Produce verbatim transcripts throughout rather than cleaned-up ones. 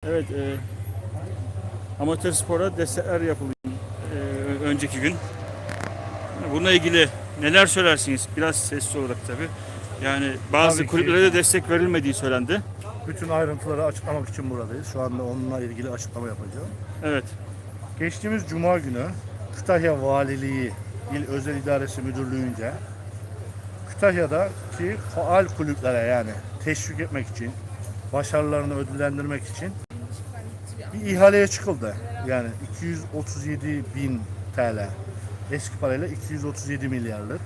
Evet, e, amatör spora destekler yapılıyor e, önceki gün. Bununla ilgili neler söylersiniz? Biraz sessiz olarak tabii. Yani bazı Tabii ki. kulüplere de destek verilmediği söylendi. Bütün ayrıntıları açıklamak için buradayız. Şu anda onunla ilgili açıklama yapacağım. Evet. Geçtiğimiz Cuma günü Kütahya Valiliği İl Özel İdaresi Müdürlüğü'nce Kütahya'daki faal kulüplere, yani teşvik etmek için, başarılarını ödüllendirmek için bir ihaleye çıkıldı. Yani iki yüz otuz yedi bin T L. Eski parayla iki yüz otuz yedi milyarlık.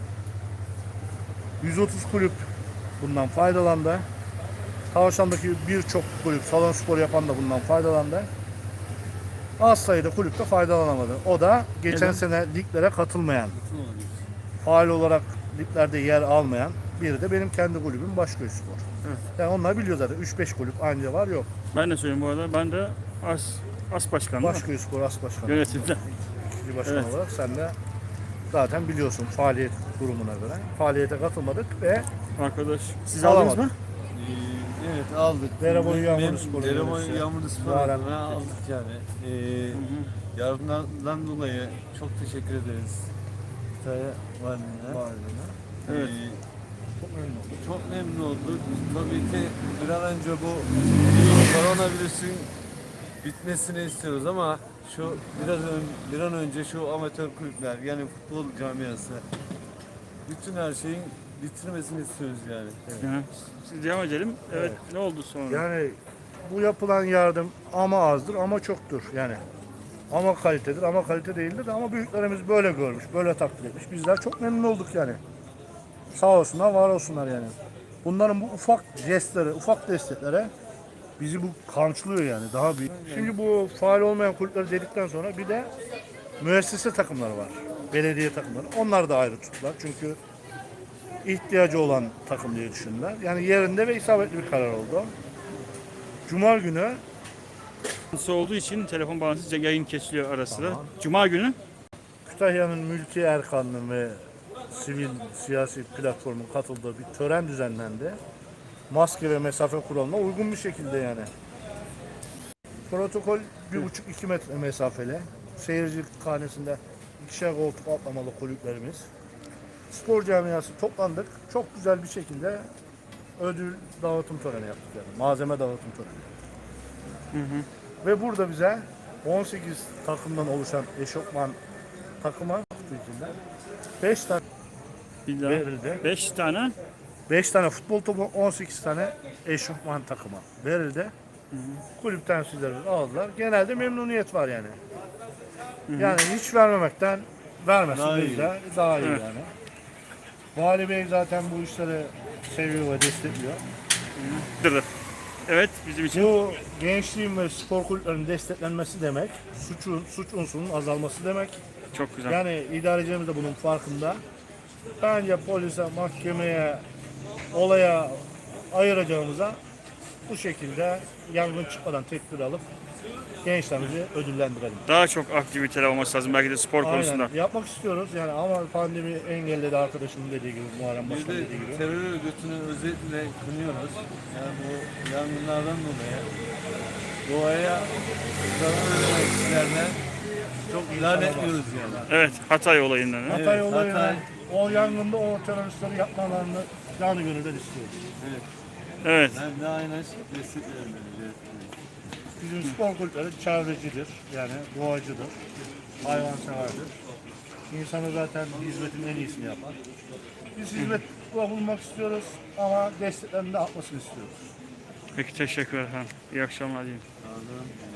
yüz otuz kulüp bundan faydalandı. Tavşan'daki birçok kulüp, salon spor yapan da bundan faydalandı. Az sayıda kulüp de faydalanamadı. O da geçen Neden? sene liglere katılmayan, faal olarak liglerde yer almayan biri de benim kendi kulübüm Başköy Spor. Evet. Yani onlar biliyor zaten. üç beş kulüp anca var, yok. Ben de söyleyeyim bu arada. Ben de as as başkanı değil mi? Başköy Spor As Başkanı. Yönetimde. İkinci başkan Evet. olarak sen de zaten biliyorsun faaliyet durumuna göre. Faaliyete katılmadık ve Arkadaş siz Alamadım. aldınız mı? Ee, Evet aldık. Dereboyu Mem- Yağmurlu mem- Spor Dereboyu Üniversitesi. Yağmurlu Spor Muharrem. adına aldık yani. Ee, yardımlardan dolayı çok teşekkür ederiz. Kütahya Valiliğine. Valiliğine. Evet. Ee, Çok memnun oldum. çok memnun olduk. Tabii ki bir an önce bu koronavirüsün bitmesini istiyoruz ama şu biraz ön, bir an önce şu amatör kulüpler, yani futbol camiası, bütün her şeyin bitirmesini istiyoruz yani. Hı. Siz devam edelim. Evet. Evet. Ne oldu sonra? Yani bu yapılan yardım ama azdır ama çoktur yani. Ama kalitedir ama kalite değildir ama büyüklerimiz böyle görmüş, böyle takdir etmiş. Bizler çok memnun olduk yani. Sağ olsunlar, var olsunlar yani. Bunların bu ufak jestleri, ufak desteklere bizi bu kamçılıyor yani daha büyük. Şimdi bu faal olmayan kulüpleri dedikten sonra bir de müessese takımları var. Belediye takımları. Onlar da ayrı tuttular. Çünkü ihtiyacı olan takım diye düşündüler. Yani yerinde ve isabetli bir karar oldu. Cuma günü Sıkıntısı olduğu için telefon bağlantısı yayın kesiliyor ara sıra. Tamam. Cuma günü Kütahya'nın mülki erkanlı ve sivil siyasi platformun katıldığı bir tören düzenlendi. Maske ve mesafe kuralına uygun bir şekilde yani. Protokol bir buçuk iki metre mesafeli. Seyirci hanesinde ikişer koltuk atlamalı kulüplerimiz. Spor camiası toplandık. Çok güzel bir şekilde ödül dağıtım töreni yaptık yani. Malzeme dağıtım töreni. Hı hı. Ve burada bize on sekiz takımdan oluşan eşofman takıma Türkiye'den beş tane bir daha. verildi. Beş tane. beş tane futbol topu, on sekiz tane eşofman takıma verildi. Kulüp temsilcileri aldılar. Genelde memnuniyet var yani. Yani hiç vermemekten vermesin Daha iyi. bizler daha iyi Evet. yani. Vali Bey zaten bu işleri seviyor ve destekliyor. Dır. Evet bizim için. Bu gençliğin ve spor kulüplerinin desteklenmesi demek, suçun, suç unsurunun azalması demek. Çok güzel. Yani idarecimiz de bunun farkında. Bence polise, mahkemeye, olaya ayıracağımıza bu şekilde yangın çıkmadan tedbir alıp gençlerimizi ödüllendirelim. Daha çok aktiviteler olması lazım belki de spor konusunda. Aynen. Yapmak istiyoruz yani ama pandemi engelledi, arkadaşımın dediği gibi, Muharrem Bir Başkan de dediği gibi. terör örgütünü özellikle kınıyoruz. Yani bu yangınlardan dolayı doğaya zarar veren kişilerine çok lanetliyoruz yani. Evet, Hatay olayından. ha? Hatay Evet, olayına, Hatay. o yangında o teröristleri yapmalarını canı gönülden istiyoruz. Evet. Evet. Ben de aynen desteklerim. Bizim spor kulüpleri çevrecidir, yani doğacıdır, hayvanseverdir. İnsanı zaten hizmetin en iyisini yapar. Biz hizmet bulunmak istiyoruz ama desteklerini de artmasını istiyoruz. Peki teşekkür ederim. İyi akşamlar diyeyim. Anladım.